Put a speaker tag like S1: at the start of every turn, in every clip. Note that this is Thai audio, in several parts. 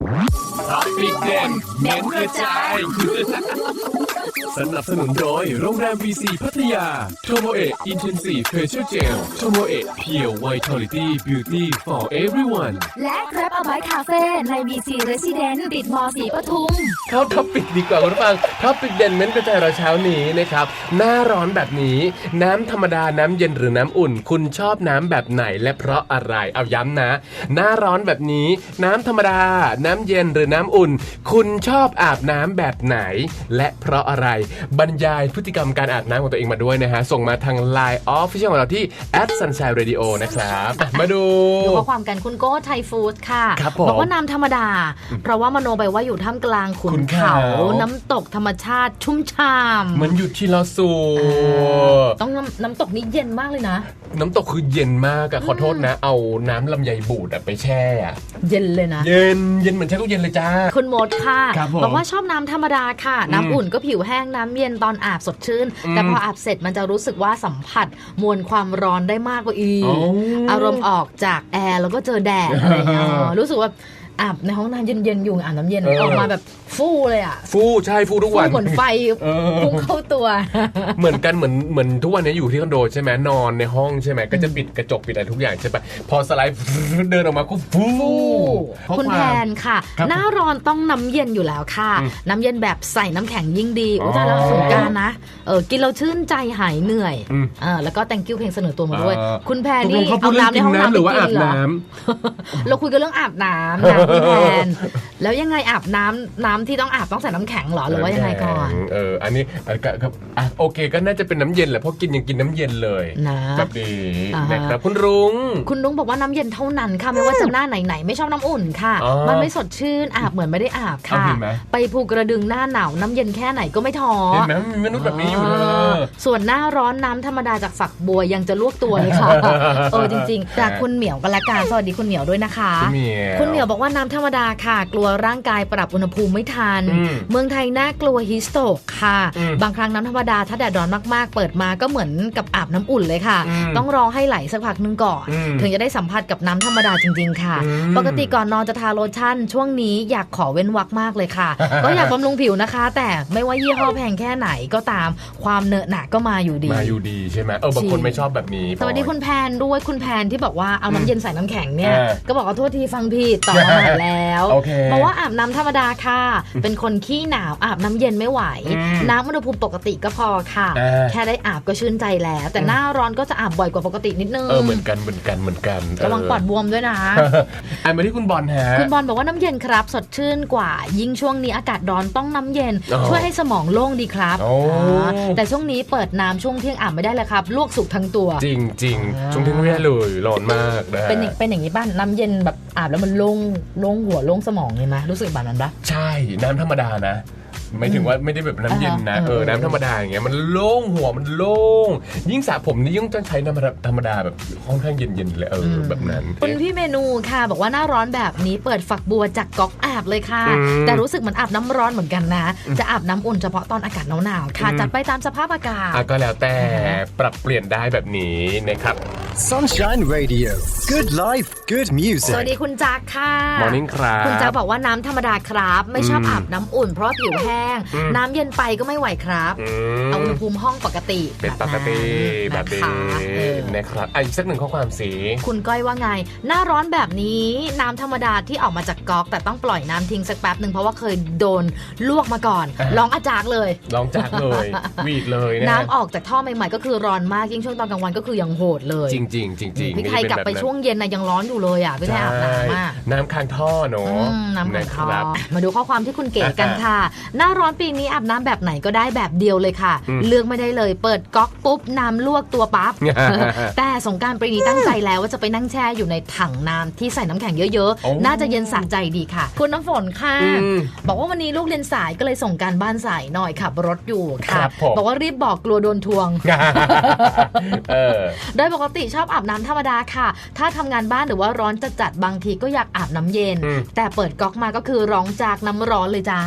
S1: ท็อปปิกเด่นเน้นกระจายสนับสนุนโดยโรงแรม VC พัทยาโทโมเอะ Intensive Facial Gel โทโมเอะ Pure Vitality Beauty for everyone
S2: และGrab a Bite Cafe ใน BC Residence ติดม.4 ปทุม
S3: เข้าท็อปปิกดีกว่าคุณผู้ฟังท็อปปิกเด่นเน้นกระจายเราเช้านี้นะครับหน้าร้อนแบบนี้น้ำธรรมดาน้ำเย็นหรือน้ำอุ่นคุณชอบน้ำแบบไหนและเพราะอะไรเอาย้ำนะหน้าร้อนแบบนี้น้ำธรรมดาน้ำเย็นหรือน้ำอุ่นคุณชอบอาบน้ำแบบไหนและเพราะอะไรบรรยายพฤติกรรมการอาบน้ำของตัวเองมาด้วยนะฮะส่งมาทาง Line Official ของเราที่ @sunshine_radio นะครับมาดู
S2: ข้อความกันคุณโก้ไทยฟู้ดค่ะบอกว่าน้ำธรรมดาเพราะว่ามโนไปว่าอยู่ท่ามกลางขุนเขาน้ำตกธรรมชาติชุ่มฉ่ำ
S3: มันอยู่ที่เราสู
S2: ต้องน้ำตกนี้เย็นมากเลยนะ
S3: น้ำตกคือเย็นมากอะขอโทษนะเอาน้ำลำไยบูดไปแช่
S2: เย็นเลยนะ
S3: เย็นเหมือนแช่ตู้เย็นเลยจ้า
S2: คุณมดค่ะบอกว่าชอบน้ำธรรมดาค่ะน้ำอุ่นก็ผิวแห้งน้ำเย็นตอนอาบสดชื่นแต่พออาบเสร็จมันจะรู้สึกว่าสัมผัสมวลความร้อนได้มากกว่าอีกอารมณ์ออกจากแอร์แล้วก็เจอแดดอะไรอย่างเงี้ยรู้สึกว่าอาบในห้องน้ำเย็นๆอยู่อาบน้ำเย็นออกมาแบบฟู่เลยอ่ะ
S3: ใช่ฟู่ทุกวัน
S2: เหมือนไฟพุ่งเข้าตัว
S3: เหมือนกันเหมือนทุกวันนี้อยู่ที่คอนโดใช่ไหมนอนในห้องใช่ไหมก็จะปิดกระจกปิดอะไรทุกอย่างใช่ปะพอสไลด์เดินออกมาก็ฟู่
S2: คุณแพนค่ะหน้าร้อนต้องน้ำเย็นอยู่แล้วค่ะน้ำเย็นแบบใส่น้ำแข็งยิ่งดีโอ้แต่แล้วสงกรานต์นะกินเราชื่นใจหายเหนื่อยแล้วก็ thank you เพลงเสนอตัวมาด้วยคุณแพนนี่เอาน้ำในห้องน้ำหรือว่าอาบน้ำเราคุยกันเรื่องอาบน้ำพี่แพนแล้วยังไงอาบน้ำที่ต้องอาบต้องใส่น้ำแข็งหรอหรือว่ายังไงก่อน
S3: อันนี้โอเคก็น่าจะเป็นน้ำเย็นแหละเพราะกินยังกินน้ำเย็นเลยนะแบบนี้นะครับคุณรุ้ง
S2: บอกว่าน้ำเย็นเท่านั้นค่ะไม่ว่าจะหน้าไหนไม่ชอบน้ำอุ่นค่ะมันไม่สดชื่นอาบเหมือนไม่ได้อาบค่ะไปภูกระดึงหน้าหนาวน้ำเย็นแค่ไหนก็ไม่ท้อ
S3: เห็นไหมมีมนุษย์แบบนี้อยู่เลย
S2: ส่วนหน้าร้อนน้ำธรรมดาจากฝักบัวยังจะลวกตัวเลยค่ะจริงๆจากคุณเหมียวกันละกันสวัสดีคุณเหมียวด้วยนะคะคุณเหมียวบอกว่าน้ำธรรมดาค่ะกลัวร่างกายปรับอุณหภูมิไม่ทันเมืองไทยน่ากลัวฮิสโตกค่ะบางครั้งน้ำธรรมดาถ้าแดดร้อนมากๆเปิดมาก็เหมือนกับอาบน้ำอุ่นเลยค่ะต้องรอให้ไหลสักพักนึงก่อนถึงจะได้สัมผัสกับน้ำธรรมดาจริงๆค่ะปกติก่อนนอนจะทาโลชั่นช่วงนี้อยากขอเว้นวรรคมากเลยค่ะก็อยากบำรุงผิวนะคะแต่ไม่ว่ายี่ห้อแพงแค่ไหนก็ตามความเนอะหนะก็มาอยู่
S3: ดีใช่ไหมบางคนไม่ชอบแบบนี้
S2: สวัสดีคุณแพนด้วยคุณแพนที่บอกว่าเอาน้ำเย็นใส่น้ำแข็งเนี่ยก็บอกว่าโทษทีฟังผิดต่อมาใหม่แล้วบอกว่าอาบน้ำธรรมดาค่ะเป็นคนขี้หนาวอาบน้ำเย็นไม่ไหวน้ำอุณหภูมิปกติก็พอค่ะแค่ได้อาบก็ชื่นใจแล้วแต่หน้าร้อนก็จะอาบบ่อยกว่าปกตินิดนึง
S3: เหมือนกัน
S2: ระวังปอดบวมด้วยนะ
S3: มาที่คุณบอลฮะ
S2: คุณบอลบอกว่าน้ำเย็นครับสดชื่นกว่ายิ่งช่วงนี้อากาศร้อนต้องน้ำเย็นช่วยให้สมองโล่งดีครับแต่ช่วงนี้เปิดน้ำช่วงเที่ยงอาบไม่ได้เลยครับลวกสุกทั้งตัว
S3: จริงช่วงเที่ยงไม่ได้เลยร้อนมากนะ
S2: เป็นอย่างนี้ป่ะน้ำเย็นแบบอาบแล้วมันโล่งหัวโล่งสมองเลยไหมรู้สึกแบบนั้นปะ
S3: ใช่น้ำธรรมดานะไม่ถึงว่าไม่ได้แบบน้ำเย็นนะน้ำธรรมดาอย่างเงี้ยมันโล่งหัวมันโล่งยิ่งสระผมนี่ยิ่งต้องใช้น้ำธรรมดาแบบค่อนข้างเย็นๆเลยแบบนั้น
S2: คุณพี่เมนูค่ะบอกว่าหน้าร้อนแบบนี้เปิดฝักบัวจากก๊อกอาบเลยค่ะแต่รู้สึกเหมือนอาบน้ำร้อนเหมือนกันนะจะอาบน้ำอุ่นเฉพาะตอนอากาศหนาวๆค่ะจัดไปตามสภาพอากาศ
S3: ก็แล้วแต่ปรับเปลี่ยนได้แบบนี้นะครับ
S4: Sunshine Radio Good Life Good Music
S2: สวัสดีคุณจักค่ะ
S3: Morning ครับ
S2: คุณจักบอกว่าน้ำธรรมดาครับไม่ชอบอาบน้ำอุ่นเพราะผิวแห้งน้ำเย็นไปก็ไม่ไหวครับเอาอุณหภูมิห้องปกติ
S3: เป็นปกติแบบนี้นะครับอีกสักหนึ่งข้อความสี
S2: คุณก้อยว่าไงหน้าร้อนแบบนี้น้ำธรรมดาที่ออกมาจากก๊อกแต่ต้องปล่อยน้ำทิ้งสักแป๊บนึงเพราะว่าเคยโดนลวกมาก่อนร้องอาจากเลย
S3: วีดเลยนะ
S2: น้ำออกจากท่อใหม่ๆก็คือร้อนมากยิ่งช่วงตอนกลางวันก็คือยังโหดเลย
S3: จริง
S2: พี่ไทยกลับไปช่วงเย็นนะยังร้อนอยู่เลยอ่ะพี่ไทยอาบน้ำมาก
S3: น้ำค้างท่อเนาะ
S2: น้ำค้างท่อมาดูข้อความที่คุณเก๋กันค่ะหน้าร้อนปีนี้อาบน้ำแบบไหนก็ได้แบบเดียวเลยค่ะเลือกไม่ได้เลยเปิดก๊อกปุ๊บน้ำลวกตัวปั๊บแต่สงกรานต์ปีนี้ตั้งใจแล้วว่าจะไปนั่งแช่อยู่ในถังน้ำที่ใส่น้ำแข็งเยอะๆน่าจะเย็นสะใจดีค่ะคุณน้ำฝนค่ะบอกว่าวันนี้ลูกเรียนสายก็เลยส่งการบ้านสายหน่อยขับรถอยู่ค่ะบอกว่ารีบบอกกลัวโดนทวงโดยปกติชอบอาบน้ำธรรมดาค่ะถ้าทำงานบ้านหรือว่าร้อนจัดบางทีก็อยากอาบน้ำเย็นแต่เปิดก๊อกมาก็คือร้องจากน้ำร้อนเลยจ้า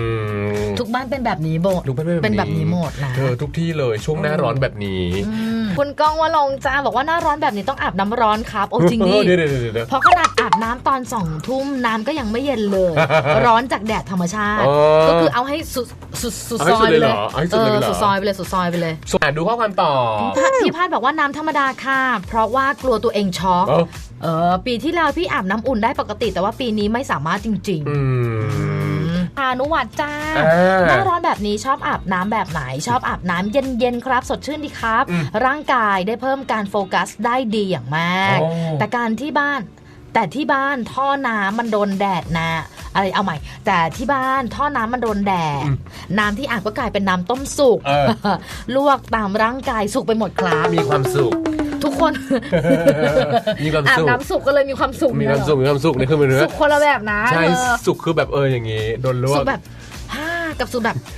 S2: ทุกบ้านเป็นแบบนี้โบเป็นแบบนี้หมดนะ
S3: ทุกที่เลยช่วงหน้าร้อนแบบนี้
S2: คุณก้องว่าลงจ้าบอกว่าหน้าร้อนแบบนี้ต้องอาบน้ำร้อนครับโอ้จริงดิ
S3: เดี๋ยว
S2: เพราะขนาดอาบน้ำตอน2 ทุ่มน้ำก็ยังไม่เย็นเลย ร้อนจากแดดธรรมชาติก็คือเอาให้สุดซอยไปเลยสุดซอยไปเลย
S3: ดูข้อความต่อ
S2: พี่พาดบอกว่าน้ำธรรมดาค่ะเพราะว่ากลัวตัวเองช็อกปีที่แล้วพี่อาบน้ำอุ่นได้ปกติแต่ว่าปีนี้ไม่สามารถจริงๆอนุวัตจ้าหน้าร้อนแบบนี้ชอบอาบน้ำแบบไหนชอบอาบน้ำเย็นๆครับสดชื่นดีครับร่างกายได้เพิ่มการโฟกัสได้ดีอย่างมากแต่ที่บ้านท่อน้ำมันโดนแดดนะอะไรเอาใหม่แต่ที่บ้านท่อน้ำมันโดนแดดน้ำที่อาบก็กลายเป็นน้ำต้มสุกลวกตามร่างกายสุกไปหมดครับ
S3: มีความสุข
S2: ทุกคน
S3: มีความสุข
S2: อาบน้ำสุกก็เลยมีความสุข
S3: มีความสุขนี่คือมันเนื้อ
S2: สุกคนละแบบนะ
S3: ใช่สุขคือแบบอย่างงี้โดนลวก
S2: สุกแบบกับสุกแบบ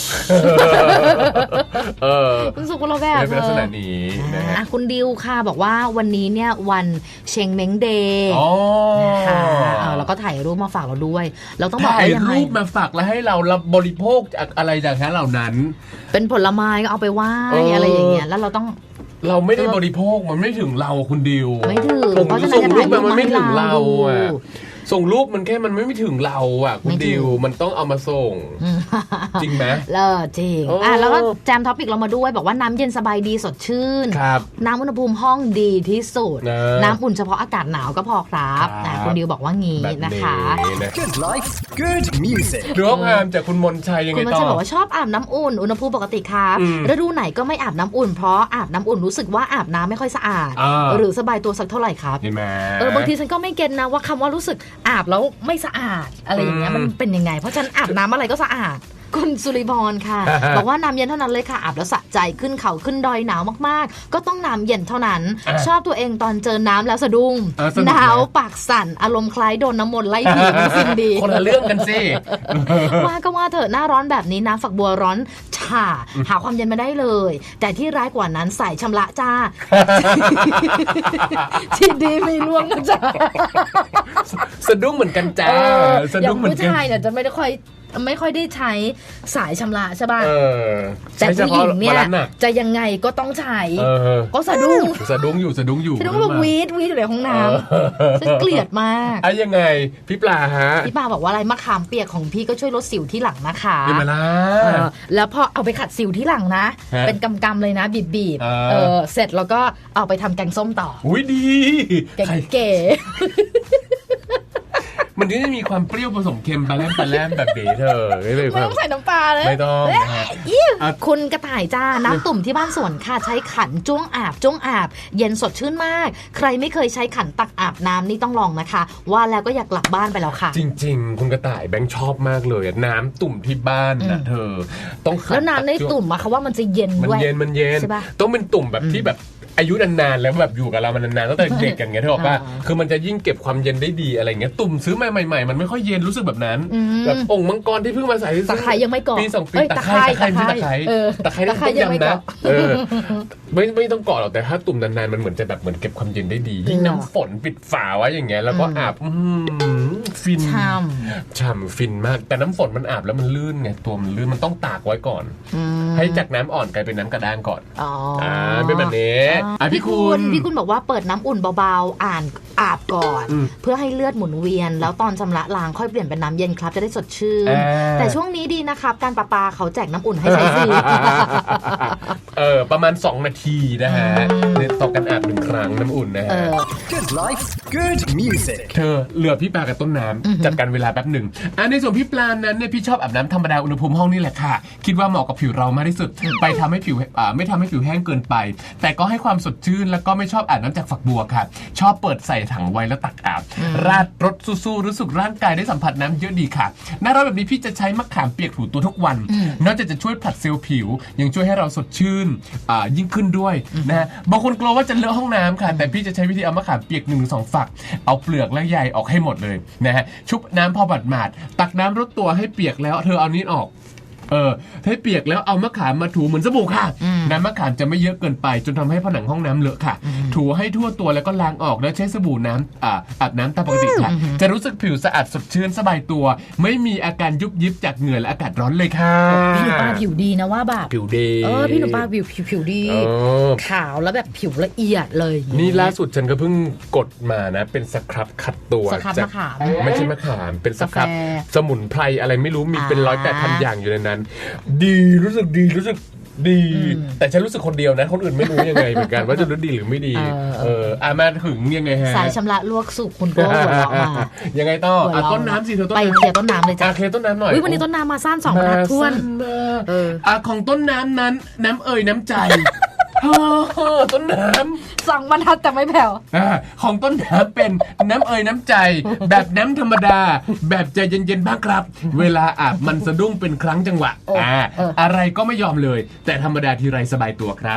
S2: สุกคนละแบบ
S3: เป็นลักษณะนี้นะ
S2: คุณดิวค่ะบอกว่าวันนี้เนี่ยวันเชงเม้งเดย์นะคะแล้วก็ถ่ายรูปมาฝากเราด้วยเราต้องบอกว่ายังไง
S3: ถ่ายรูปมาฝากแล้วให้เราบริโภคอะไรจากนั้นเหล่านั้น
S2: เป็นผลไม้ก็เอาไปไหว้อะไรอย่างเงี้ยแล้วเราไม่
S3: ได้บริโภคมันไม่ถึงเราคุณดิว
S2: ไม่ถึง
S3: เพราะฉะนั้นส่งรูปมันไม่ถึงเราอ่ะส่งรูปมันแค่มันไม่ถึงเราอ่ะคุณดิวมันต้องเอามาส่งจริงไหม
S2: จริงแล้วก็แจมท็อปิกเรามาด้วยบอกว่าน้ำเย็นสบายดีสดชื่นน้ำอุณหภูมิห้องดีที่สุดน้ำอุ่นเฉพาะอากาศหนาวก็พอครับคุณดิวบอกว่างี้นะคะ
S4: Good life good music
S3: หรือว่างามจากคุณมนชัยยังไงต่อ
S2: คุณมนชัยบอกว่าชอบอาบน้ำอุ่นอุณหภูมิปกติครับฤดูไหนก็ไม่อาบน้ำอุ่นเพราะอาบน้ำอุ่นรู้สึกว่าอาบน้ำไม่ค่อยสะอาดหรือสบายตัวสักเท่าไหร่ครับบางทีฉันก็ไม่เก็ตนะว่าคำว่ารู้สึกอาบแล้วไม่สะอาดอะไรอย่างเงี้ยมันเป็นยังไงเพราะฉันอาบน้ำอะไรก็สะอาดคุณสุริพรค่ะ บอกว่าน้ำเย็นเท่านั้นเลยค่ะอาบแล้วสะใจขึ้นเขาขึ้นดอยหนาวมากๆก็ต้องน้ำเย็นเท่านั้นชอบตัวเองตอนเจอน้ำแล้วสะดุ้งหนาวปากสั่นอารมณ์คล้ายโดนน้ำมนต์ไล่ผีสิ่งดี
S3: คนละเรื่องกันสิ
S2: ว่าก็ว่าเถอะหน้าร้อนแบบนี้น้ำฝักบัวร้อนฉ่าหาความเย็นมาได้เลยแต่ที่ร้ายกว่านั้นสายชำระจ้าที่ดีไม่ล่วงนะจ้า
S3: สะดุ้งเหมือนกันจ้า
S2: สะดุ้งเหมือนกันผู้ชายเนี่ยจะไม่ค่อยได้ใช้สายชำระใช่ป่ะแต่ผู้หญิงเนี่ยจะยังไงก็ต้องใช้ก็สะดุ้ง
S3: อยู่สะดุ้ง
S2: แบบวีดอยู่ในห้องน้ำฉันเกลียดมาก
S3: ยังไงพี่ปลาฮะ
S2: พี่ปลาบอกว่าอะไรมะขามเปียกของพี่ก็ช่วยลดสิวที่หลังนะคะ
S3: เป็นมาละ
S2: แล้วพอเอาไปขัดสิวที่หลังนะเป็นกำๆเลยนะบีบเสร็จแล้วก็เอาไปทำแกงส้มต่อ
S3: อุ้ยดี
S2: เก๋
S3: มันจะมีความเปรี้ยวผสมเค็มปลาแรมแบบนี้เธอ
S2: ไม่ต้องใส่น้ำปลาเลย
S3: ไม่ต้อง
S2: คุณกระต่ายจ้าน้ำตุ่มที่บ้านสวนค่ะใช้ขันจ้วงอาบเย็นสดชื่นมากใครไม่เคยใช้ขันตักอาบน้ำนี่ต้องลองนะคะว่าแล้วก็อยากกลับบ้านไปแล้วค่ะ
S3: จริงๆคุณกระต่ายแบงค์ชอบมากเลยน้ำตุ่มที่บ้านนะเธอต้องขัน
S2: แล้วน้ำในตุ่มอะเขาว่ามันจะเย็นด้วย
S3: มันเย็นต้องเป็นตุ่มแบบที่แบบอายุนานๆแล้วแบบอยู่กับเรามันนานๆตั้งแต่เด็กกันไงเธอบอกว่าคือมันจะยิ่งเก็บความเย็นได้ดีอะไรเงี้ยตุ่มซื้อมาใหม่ๆมันไม่ค่อยเย็นรู้สึกแบบนั้นแบบองค์มังกรที่เพิ่งมาใส่
S2: ตะไคร้ยังไม่เกาะ
S3: ปี2 ปีตะไคร้ต้องยำนะไม่ต้องเกาะหรอกแต่ถ้าตุ่มนานๆมันเหมือนจะแบบเหมือนเก็บความเย็นได้ดียิ่งน้ำฝนปิดฝาไว้อย่างเงี้ยแล้วก็อาบฟินฉ่ำฟินมากแต่น้ำฝนมันอาบแล้วมันลื่นไงตัวมันลื่นมันต้องตากไว้ก่อนให้จากน้ำอ่อนกลายเป็นน้ำกระด้างก่อนเป็นแบบนี้
S2: พี่คุณบอกว่าเปิดน้ำอุ่นเบาๆอาบก่อนเพื่อให้เลือดหมุนเวียนแล้วตอนชำระล้างค่อยเปลี่ยนเป็นน้ำเย็นครับจะได้สดชื่นแต่ช่วงนี้ดีนะครับการประปาเขาแจกน้ำอุ่นให้ใช้ฟรี
S3: ประมาณ2 นาทีนะฮะต่อการอาบ1 ครั้งน้ำอุ่นนะฮะ
S4: Good life good music
S3: เธอเหลือพี่ปลากับต้นน้ำจัดการเวลาแป๊บหนึ่งในส่วนพี่ปลานั้นเนี่ยพี่ชอบอาบน้ำธรรมดาอุณหภูมิห้องนี่แหละค่ะคิดว่าเหมาะกับผิวเรามากที่สุดไปทำให้ผิวไม่ทำให้ผิวแห้งเกินไปแต่ก็ให้ความสดชื่นแล้วก็ไม่ชอบอาบน้ำจากฝักบัวค่ะชอบเปิดใส่ถังไว้แล้วตักอาบราดรสสู้ๆรู้สึกร่างกายได้สัมผัสน้ำเยอะดีค่ะหน้าร้อนแบบนี้พี่จะใช้มะขามเปียกถูตัวทุกวันนอกจากจะช่วยผลัดเซลล์ผิวยังช่วยให้เราสดชื่นยิ่งขึ้นด้วยนะฮะบางคนกลัวว่าจะเลอะห้องน้ำค่ะแต่พี่จะใช้วิธีเอามะขามเปียก1-2 ฝักเอาเปลือกและใยออกให้หมดเลยนะฮะชุบน้ำพอหมาดๆตักน้ำรดตัวให้เปียกแล้วเธอเอานี้ออกให้เปียกแล้วเอามะขามมาถูเหมือนสบู่ค่ะ
S2: อืม
S3: น้ำมะขามจะไม่เยอะเกินไปจนทำให้ผนังห้องน้ำเลอะค่ะ ถูให้ทั่วตัวแล้วก็ล้างออกแล้วใช้สบู่น้ำอาบน้ำตามปกติค่ะ จะรู้สึกผิวสะอาดสดชื่นสบายตัว ไม่มีอาการยุบยิบจากเหงื่อและอากาศร้อนเลยค่ะ
S2: พี่หนูปลาผิวดีนะว่าแบบ
S3: ผิวดี
S2: พี่หนูปลาผิวดี
S3: เออ
S2: ขาวแล้วแบบผิวละเอียดเลย
S3: นี่ล่าสุดฉันก็เพิ่งกดมานะเป็นสครับขัดตัว
S2: สครับ
S3: จาก
S2: มะขาม
S3: ไม่ใช่มะขามเป็นสครับ
S2: กาแฟ
S3: สมุนไพรอะไรไม่รู้มีเป็น
S2: อ่า
S3: 108,000 อย่างอยู่ในนั้น ดีรู้สึกดีดี แต่ฉันรู้สึกคนเดียวนะคนอื่นไม่รู้ยังไงเหมือนกันว่าจะรู้ดีหรือไม่ดีมาถึงยังไงฮะ
S2: สายชำระลวกสุกคุณก็หัวเราะมา
S3: ยังไงต่อ
S2: หัวเราะ
S3: ต้นน้ำสิเธอต้น
S2: ไป
S3: น้ำ
S2: เคลียร์ต้นน้ำเลยจ้ะ
S3: เคลียร์ต้นน้ำหน่อย
S2: วันนี้ต้นน้ำมาสั้น2 บรรทัดท้วน
S3: มา
S2: เออ
S3: ของต้นน้ำนั้นน้ำเอ่ยน้ำใจต้นน้ำ
S2: 2 บรรทัดแต่ไม่แผ่ว
S3: ของต้นน้ำเป็นน้ำเอ่ยน้ำใจ แบบน้ำธรรมดา แบบใจเย็นๆบ้างครับ เวลาอาบมันสะดุ้งเป็นครั้งจังหวะอะไรก็ไม่ยอมเลย แต่ธรรมดาทีไรสบายตัวครับ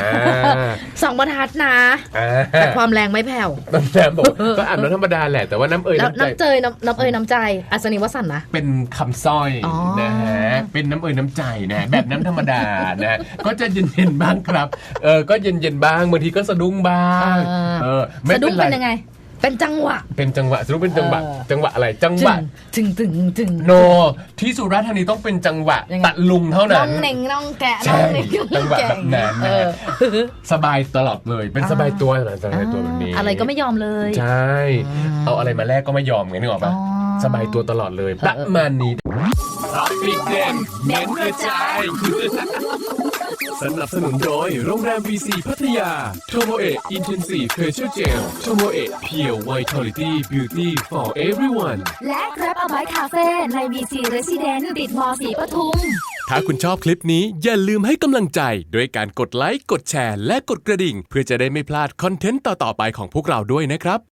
S2: 2 บรรทัดนะ แต่ความแรงไม่แผ่ว
S3: ต้นน้ำบอกก็อาบน้ำธรรมดาแหละแต่ว่าน้ำเอ่ย
S2: แล้ว
S3: น้ำใจ
S2: น้ำเอยน้ำใจอัศนีวสันต์นะ
S3: เป็นคำสร้อย
S2: อ๋อ
S3: นะฮะเป็นน้ำเอ่ยน้ำใจนะแบบน้ำธรรมดานะก็จะเย็นๆบ้างครับก็เย็นๆบ้างบางทีก็สะดุ้งบ้างไม่
S2: สะดุ้ง
S3: ไร
S2: เป็นยังไง เป็นจังหวะ
S3: เป็นจังหวะสรุปเป็นจังหวะ จังหวะอะไรจังหวะ
S2: ถึง
S3: โนที่สุราษฎร์ธานีต้องเป็นจังหวะ
S2: ยังไง
S3: ตะลุงเท่า
S2: น้
S3: นั้
S2: อน งเหน่งน้องแกะน้
S3: ใช่
S2: องเหน่งน้
S3: จั
S2: อง
S3: งหวะ
S2: แกะ
S3: แบบนั้นนะฮะสบายตลอดเลยเป็นสบายตัวสบายตัวแบบนี้
S2: อะไรก็ไม่ยอมเลย
S3: ใช่เอาอะไรมาแลกก็ไม่ยอมไงนึกออกปะ
S2: อ๋อ
S3: สบายตัวตลอดเลยประมาณนี้
S1: ปิดเด่นเน้นกระจาย สนับสนุนโดยโรงแรม VC พัทยา โทโมเอะ Intensive Facial Gel โทโมเอะ Pure Vitality Beauty for everyone
S5: และ Grab a Bite Cafe ใน BC Resident ติดมสีปทุม
S1: ถ้าคุณชอบคลิปนี้อย่าลืมให้กำลังใจด้วยการกดไลค์ กดแชร์ และกดกระดิ่ง เพื่อจะได้ไม่พลาดคอนเทนต์ต่อๆไปของพวกเราด้วยนะครับ